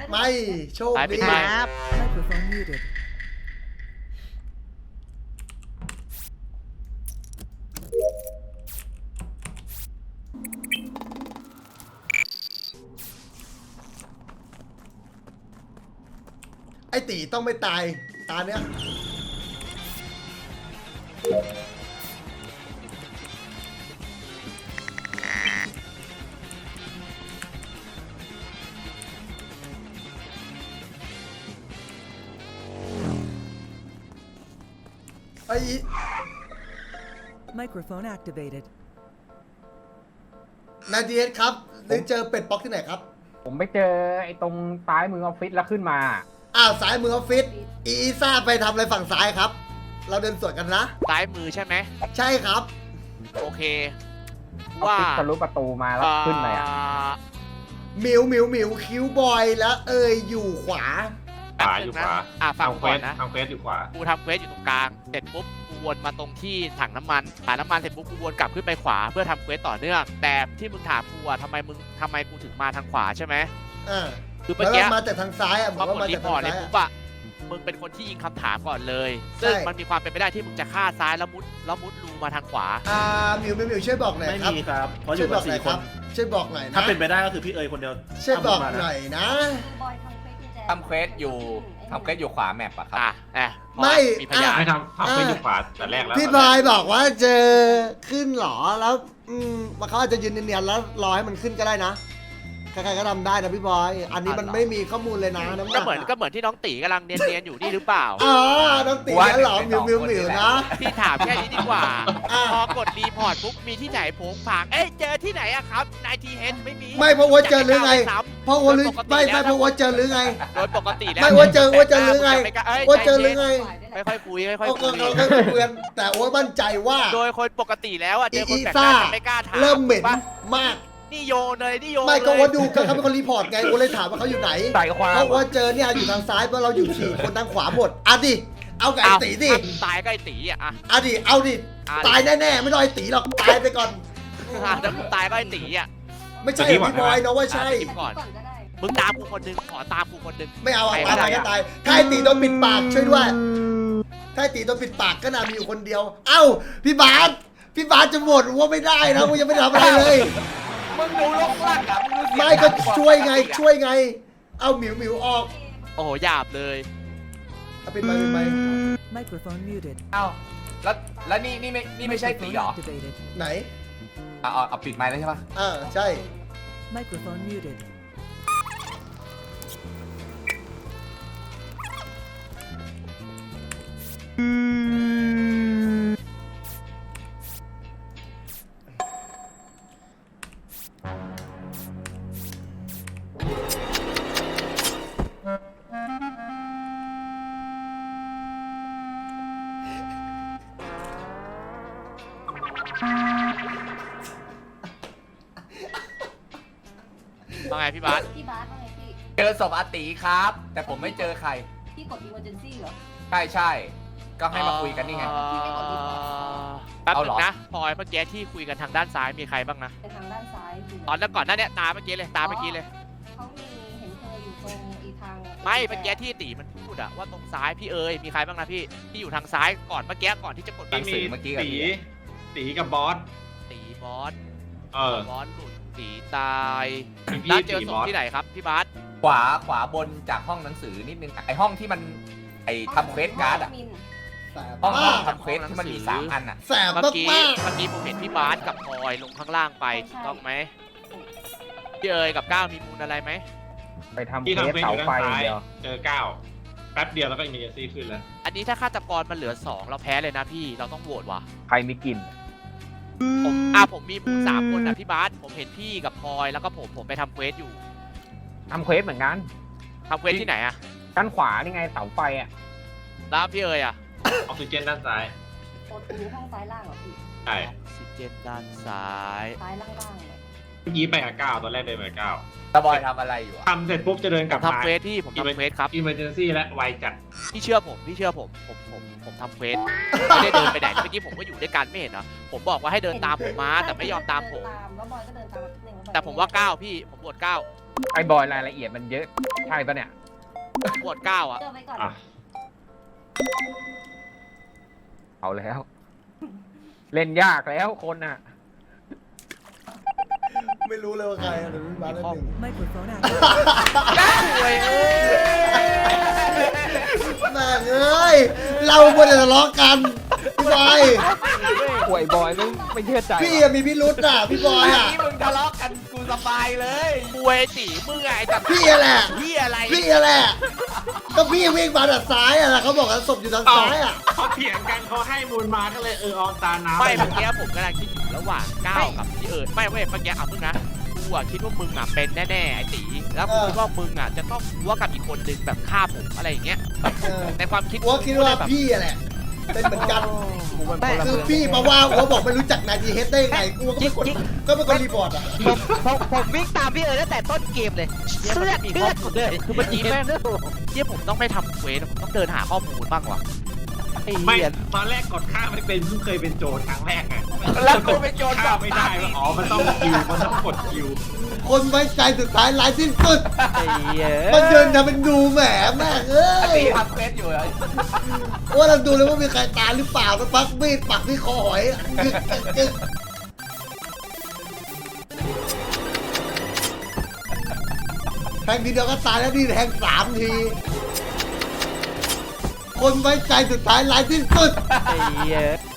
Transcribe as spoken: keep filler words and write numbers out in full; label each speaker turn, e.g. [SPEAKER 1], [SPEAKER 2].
[SPEAKER 1] ไม่โชคดี
[SPEAKER 2] ครับ
[SPEAKER 3] Microphone muted.
[SPEAKER 1] ไอตีต้องไม่ตายตาเนี้ยไอ
[SPEAKER 3] Microphone activated.
[SPEAKER 1] นาดีเอสครับได้เจอเป็ดป๊อกที่ไหนครับ
[SPEAKER 4] ผมไปเจอไอ้ตรงซ้ายมือออฟฟิศแล้วขึ้นมา
[SPEAKER 1] อ้าวซ้ายมือออฟฟิศอีอีซ่าไปทำอะไรฝั่งซ้ายครับ เราเดินสวนกันนะ
[SPEAKER 2] ซ้ายมือใช่ไหม
[SPEAKER 1] ใช่ครับ
[SPEAKER 2] โอเค
[SPEAKER 4] ออฟ
[SPEAKER 2] ว่า
[SPEAKER 4] ฟิศทะลุประตูมาแล้วขึ้นเลยอ่ะ
[SPEAKER 1] หมิวหมิวหมิวคิวบอยแล้วเอยอยู่ขวา
[SPEAKER 5] ขวาอยู่ขวา
[SPEAKER 2] อ่ะฟัง
[SPEAKER 5] ทำเคว
[SPEAKER 2] ก่อ
[SPEAKER 5] ส
[SPEAKER 2] นนะ
[SPEAKER 5] ทำเควสอยู่ขวา
[SPEAKER 2] กูทำเควสอยู่ตรงกลางเสร็จปุ๊บกูวนมาตรงที่ถังน้ำมันถังน้ำมันเสร็จปุ๊บกูวนกลับขึ้นไปขวาเพื่อทำเควสต่อเนื่องแต่ที่มึงถามกูอะทำไมมึงทำไมกูถึงมาทางขวาใช่ไหม
[SPEAKER 1] อ่า
[SPEAKER 2] คือเมื่
[SPEAKER 1] แล้
[SPEAKER 2] อ
[SPEAKER 1] ว
[SPEAKER 2] กี้
[SPEAKER 1] มาจากทางซ้ายอ่ะบ
[SPEAKER 2] พ
[SPEAKER 1] อ
[SPEAKER 2] อก
[SPEAKER 1] ว่าก
[SPEAKER 2] ด
[SPEAKER 1] มา
[SPEAKER 2] รี
[SPEAKER 1] จาก
[SPEAKER 2] พอ
[SPEAKER 1] ทา
[SPEAKER 2] ร์
[SPEAKER 1] ง
[SPEAKER 2] ตเลย
[SPEAKER 1] ซ้าย
[SPEAKER 2] ปุ๊บ
[SPEAKER 1] อะ
[SPEAKER 2] อะมึงเป็นคนที่ยิงคำถามก่อนเลย ซึ่ง
[SPEAKER 1] ใช่
[SPEAKER 2] มันมีความเป็นไปได้ที่มึงจะฆ่าซ้ายแล้วมุดแล้วมุดรูมาทางขวา
[SPEAKER 1] อ่าหมิวหมิวหมิวช่วยบอกหน่อย
[SPEAKER 6] ไม่
[SPEAKER 1] ครับ
[SPEAKER 6] มีครับ เพราะอ
[SPEAKER 1] ช่วย
[SPEAKER 6] ยู่
[SPEAKER 1] บ
[SPEAKER 6] กั
[SPEAKER 1] อบ กหน่
[SPEAKER 6] สี่
[SPEAKER 1] อย
[SPEAKER 6] ค
[SPEAKER 1] ครับ
[SPEAKER 6] น
[SPEAKER 1] ช่วยบอกหน่อยนะ
[SPEAKER 6] ถ้าเป็นไปได้ก็คือพี่เอ๋ยคนเดียว
[SPEAKER 1] ช่วยบอก
[SPEAKER 6] ทำมานะ
[SPEAKER 1] หน่อยนะ
[SPEAKER 7] ทำเควสอยู่ทำเควสอยู่ขวาแมปอะครับ
[SPEAKER 2] อ่ะแอบ
[SPEAKER 1] ไม่
[SPEAKER 2] มีพยาน
[SPEAKER 5] ให้ทำทำเควสอยู่ขวาแต่แรกแล้ว
[SPEAKER 1] พี่บายบอกว่าเจอขึ้นเหรอแล้วอืมมันเขาอาจจะยืนเนียนๆแล้วรอให้มันขึ้นก็ได้นะใครๆก็ทำได้นะพี่บอย อันนี้มันไม่มีข้อมูลเลยนะน้ำห
[SPEAKER 2] ก็
[SPEAKER 1] นัก
[SPEAKER 2] เหมือนก็เหมือนที่น้องตีกำลังเนียนๆอยู่นี่หรือเปล่า
[SPEAKER 1] อ๋อน้องตีนั่นเหรอหมิวหมิวหมิวนะ
[SPEAKER 2] พี่ถามแค่นี้ดีกว่า
[SPEAKER 1] อ่ะ
[SPEAKER 2] พอกดรีพอร์ตปุ๊บมีที่ไหนโผงผางเอ้ยเจอที่ไหนอะครับนายทีเฮดไม่มี
[SPEAKER 1] ไม่เพราะว่าเจอหรือไง
[SPEAKER 2] จะปก้าวปซ้ำ
[SPEAKER 1] เพราะว่าหรือไม่ไม่เพราะว่าเจอหรือไง
[SPEAKER 2] โดยปกติแล้ว
[SPEAKER 1] ไม่ว่าเจอว่าเจอหรือไง
[SPEAKER 2] ม่กล้ย
[SPEAKER 1] ว่าเจอหรือไง
[SPEAKER 2] ค่อยๆคุยค่อย
[SPEAKER 1] โอ้
[SPEAKER 2] ๆ
[SPEAKER 1] โห
[SPEAKER 2] คุย
[SPEAKER 1] เราก็เพื่อนแต่โอ้ยมั่นใจว่า
[SPEAKER 2] โดยคนปกติแล้วอะเจอคน
[SPEAKER 1] อี
[SPEAKER 2] แปลกห
[SPEAKER 1] ซ่า
[SPEAKER 2] น้าจะไม่กล้าถาม
[SPEAKER 1] เริ่มเหม็น
[SPEAKER 2] ถูกปะ
[SPEAKER 1] มาก
[SPEAKER 2] นี่โยนเลยนี่โยน
[SPEAKER 1] ไม่ก็
[SPEAKER 2] เลย
[SPEAKER 1] ว่าดูก็เขาเป็นคนรีพอร์ตไงกูเลยถามว่าเขาอยู่ไหน
[SPEAKER 4] ใส่ความ
[SPEAKER 1] เขาว่าเจอเนี่ยอยู่ทางซ้ายเพราะเราอยู่สี่คนทางขวาหมดอ่ะดิเอาไก่
[SPEAKER 2] อ้าว
[SPEAKER 1] ตีดิ
[SPEAKER 2] ถ้ามึงตายก็ไอ้ตีอะอะ
[SPEAKER 1] อ่ะดิเอาดิ
[SPEAKER 2] อ่ะ
[SPEAKER 1] ตายแน่ๆไม่ต้องไอ้ตีหรอกตายไปก่อน
[SPEAKER 2] ถ้ามึงตายก็ไอ้ตีอะ
[SPEAKER 1] ไม่ใช่พี่บอยนะว่าใช่
[SPEAKER 2] คิดก่อนมึงตามกูคนหนึงขอตามกูคนหนึง
[SPEAKER 1] ไม่เอาอ่ะ
[SPEAKER 2] ใครก็
[SPEAKER 1] ตาย
[SPEAKER 2] ได้
[SPEAKER 1] ก็
[SPEAKER 2] อะ
[SPEAKER 1] ตายถ้าไอ้ตีโดนปิดปากช่วยด้วยถ้าไอ้ตีโดนปิดปากก็น่ามีอยู่คนเดียว เอ้าพี่บาสพี่บาสจะหมดว่าไม่ได้นะกูยังไม่ได้ทำอะไรเลย
[SPEAKER 2] มึงดูโลกล่างอะมึงดูเสียง
[SPEAKER 1] ไม่ก็ช่วยไงช่วยไง เอาหมิวหมิวออก
[SPEAKER 2] โอ้โหหยาบเลย
[SPEAKER 1] เอาเป็นไปเป็นไป
[SPEAKER 3] Microphone muted.
[SPEAKER 7] เอ้าแล้วแล้วนี่นี่ไม่นี่ไม่ใช่ตี
[SPEAKER 3] Microphone
[SPEAKER 7] เหรอ
[SPEAKER 3] activated.
[SPEAKER 1] ไหน
[SPEAKER 7] เอาเอาเอาปิดไมค์แล้วใช่ปะ
[SPEAKER 1] อ่าใช่
[SPEAKER 3] Microphone muted.
[SPEAKER 2] ว่าไงพี่บาส
[SPEAKER 8] พี่บาสว่าไงพี่
[SPEAKER 7] เจอศพอาตีครับ แต่ผมไม่เจอใคร
[SPEAKER 8] พี่กด emergency เหรอ
[SPEAKER 7] ใช่ใช่ก็ให้มาคุยกันนี่ไง
[SPEAKER 2] เอ่อแป๊บ
[SPEAKER 7] เอา
[SPEAKER 2] นึ
[SPEAKER 7] เหรอ
[SPEAKER 2] งนะพลอยเมื่อกี้ที่คุยกันทางด้านซ้ายมีใครบ้างนะ
[SPEAKER 8] ไปทางด้านซ้ายคือ
[SPEAKER 2] ตอนนั้นก่อนหน้าเนี้ยตาเมื่อกี้เลยตาเมื่อกี้เลย
[SPEAKER 8] เขามีเห็นเธออยู่ตรงอีทาง
[SPEAKER 2] ไม่เมื่อกี้ที่ตีมันพูดอะว่าตรงซ้ายพี่เอ๋ยมีใครบ้างนะพี่ที่อยู่ทางซ้ายก่อนเมื่อกี้ก่อนที่จะกด
[SPEAKER 7] หนังสือเมื่อกี้กับ
[SPEAKER 5] ตี
[SPEAKER 7] พี่
[SPEAKER 5] ตีกับบอส
[SPEAKER 2] ตีบอส
[SPEAKER 5] เออ
[SPEAKER 2] บอสหลุดตีตาย
[SPEAKER 5] มีพี่
[SPEAKER 2] แล้วเจอ
[SPEAKER 5] ตี
[SPEAKER 2] ศ
[SPEAKER 5] บ
[SPEAKER 2] พ
[SPEAKER 5] อส
[SPEAKER 2] ที่ไหนครับพี่บาส
[SPEAKER 7] ขวาขวาบนจากห้องหนังสือนิดนึงไอห้องที่มันไอทำเควสการ์ดอะ
[SPEAKER 8] มิน
[SPEAKER 1] แสบ
[SPEAKER 7] ห้อง
[SPEAKER 1] มาก
[SPEAKER 7] ทำเควสที่มันมีสามอันอะ
[SPEAKER 1] แสบ
[SPEAKER 2] เมื่อ
[SPEAKER 1] มาก
[SPEAKER 2] กี้
[SPEAKER 1] มาก
[SPEAKER 2] เมื่อกี้ผมเห็นพี่บาสกับพลอยลงข้างล่างไปถูกต้องไหมพี่เอ๋ยกับก้าวมีมูลอะไรไหม
[SPEAKER 4] ไปทำ
[SPEAKER 5] ที่
[SPEAKER 4] เค
[SPEAKER 5] ทำ
[SPEAKER 4] ส
[SPEAKER 5] เควสอ
[SPEAKER 4] เสา
[SPEAKER 5] ยู่ด้าน
[SPEAKER 4] ไฟ
[SPEAKER 5] ซ้าย
[SPEAKER 4] เดียว
[SPEAKER 5] เจอเก้าแป๊บเดียวแล้วก็อิมเมอร์ซี่ขึ้นแล้ว
[SPEAKER 2] อันนี้ถ้าฆาตกรมันเหลือสองเราแพ้เลยนะพี่เราต้องโหวตว่ะ
[SPEAKER 4] ใครมีกลิ่น
[SPEAKER 2] ผมอ่ะผมมีมูลสามคนอ่ะพี่บาสผมเห็นพี่กับพลอยแล้วก็ผมผมไปทำเควสอยู่
[SPEAKER 4] ทำเควสเหมือนกัน
[SPEAKER 2] ทำเควสที่ไหนอ่ะ
[SPEAKER 4] ด้านขวานี่ไงเสาไฟอ่ะ
[SPEAKER 2] แล้วพี่เอ๋ยอ่ะ
[SPEAKER 5] ออกซิเจนด้านซ้าย
[SPEAKER 8] กดอยู่ห้องซ้ายล่างเหรอพี่
[SPEAKER 5] ใช่
[SPEAKER 2] ออกซิเจนด้านซ้าย
[SPEAKER 8] ซ้ายล่างๆเลย
[SPEAKER 5] เมื่อกี้ไปกับเก้าตอนแรกเดินไปกับเก้า
[SPEAKER 7] ตาบอยทำอะไรอยู่อะ
[SPEAKER 5] ทำเสร็จปุ๊บจะเดินก
[SPEAKER 2] ผ
[SPEAKER 5] ลับ
[SPEAKER 2] มทำเควสพี่ผมทำเควสครับ
[SPEAKER 5] อิมเมอร์เจนซี่และไวจัด
[SPEAKER 2] พี่เชื่อผมพี่เชื่อผมผมผมผมทำเควสไม่ได้เดินไปไหนเมื่อกี้ผมก็อยู่ด้วยกันไม่เห็นเหรอผมบอกว่าให้เดินตามผมมาแต่ไม่ยอมตามผม
[SPEAKER 8] เดินตามแล้วบอยก็เดินตามนิดนึงล้วบอย
[SPEAKER 2] แต่ผมว่าก้าวพี่ผมโหวตก้าว
[SPEAKER 4] ไอ้บอยรายละเอียดมันเยอะใช่ปะเนี่ย
[SPEAKER 2] ปวดเก้าอ่ะ
[SPEAKER 8] เลือกไว้ก่อน
[SPEAKER 5] อ่ะ
[SPEAKER 4] เอาแล้ว เล่นยากแล้วคนอ่ะ
[SPEAKER 1] ไม่รู้เลยว่าใครอ่ะเดี๋ยวพี่บาสได้หนึ่ง
[SPEAKER 3] Microphone activated.
[SPEAKER 2] โอ้ยเอ้ย
[SPEAKER 1] แม่งเอ้ยเราควรจะทะเลาะกันพี่บอย
[SPEAKER 4] ป่วยบอยไม่ไม่เชื่อใจ
[SPEAKER 1] พี่อะมีพิรุษอ่ะพี่บอยอ่ะ
[SPEAKER 7] นี่มึงทะเลาะกันกูสบายเลย
[SPEAKER 2] มวยตีมึงไงจัด
[SPEAKER 1] พี่อะแหละ
[SPEAKER 2] พี่อะไร
[SPEAKER 1] พี่อะแหละก็พี่วิ่งมาด้านซ้ายอ่ะแล้วเขาบอกว่าศพอยู่ทางซ้ายอ่ะ
[SPEAKER 5] เขาเถียงกันเขาให้มูลมาก็เลยเออออมตาน้ำ
[SPEAKER 2] ไม่เมื่อกี้ผมกำลังคิดอยู่ระหว่างก้าวกับพี่เอิร์ดไม่เว้ยเมื่อกี้เอามึงนะกูอะคิดว่ามึงอะเป็นแน่ๆไอ้ตีแล้วกูคิดว่ามึงอะจะต้องรู้ว่ากับอีกคนนึงแบบฆ่าผมอะไรอย่างเงี้ย
[SPEAKER 1] เออ
[SPEAKER 2] ในความคิด
[SPEAKER 1] อัวคิดว่า
[SPEAKER 2] แบบ
[SPEAKER 1] พี่อะแหละเป็นเหมือนกัน
[SPEAKER 4] กูเป็นพล
[SPEAKER 1] คือ
[SPEAKER 4] เมือง
[SPEAKER 1] พี่มาว่าอัวบอกไม่รู้จักนายดีเฮดได้ยังไงกูก็ไม่กดก็ไม่กดรีพอร์ตอ่ะ
[SPEAKER 6] ผมผมผมวิ่งตามพี่เอิร์ธตั้งแต่ต้นเกมเลยเลือดเลือดหมดเลย
[SPEAKER 2] คือเมื่อกี้แม่งที่ผมต้องไม่ทำเควสผมต้องเดินหาข้อมูลบ้างว่ะไอ้
[SPEAKER 5] ไม่
[SPEAKER 2] เหี้ย
[SPEAKER 5] ตอนแรกกดข้ามไม่เป็นเพิ่งเคยเป็นโจรครั้งแรกไง
[SPEAKER 7] แล้วกูไปโจร
[SPEAKER 5] ข้ามไม่ได้ว่าอ๋อมันต้องคิวมันต้องกดคิว
[SPEAKER 1] คนไว้ใจสุดท้ายร้ายที่สุด
[SPEAKER 2] ไอ้เหี้ย
[SPEAKER 1] มันเดินทำเป็นดูแหมแม่งเอ้
[SPEAKER 7] อัน
[SPEAKER 1] ย
[SPEAKER 7] นี้ทำเควสอยู่เลย
[SPEAKER 1] ว่าเราดูเลยว่ามีใครตายหรือเปล่ามันปักมีดปักที่คอหอยกึกกึกกึกแทงทีเดียวก็ตายแล้วนี่แทงสามที คนไว้ใจสุดท้ายร้ายที่สุด
[SPEAKER 2] ไอ้เหี้ย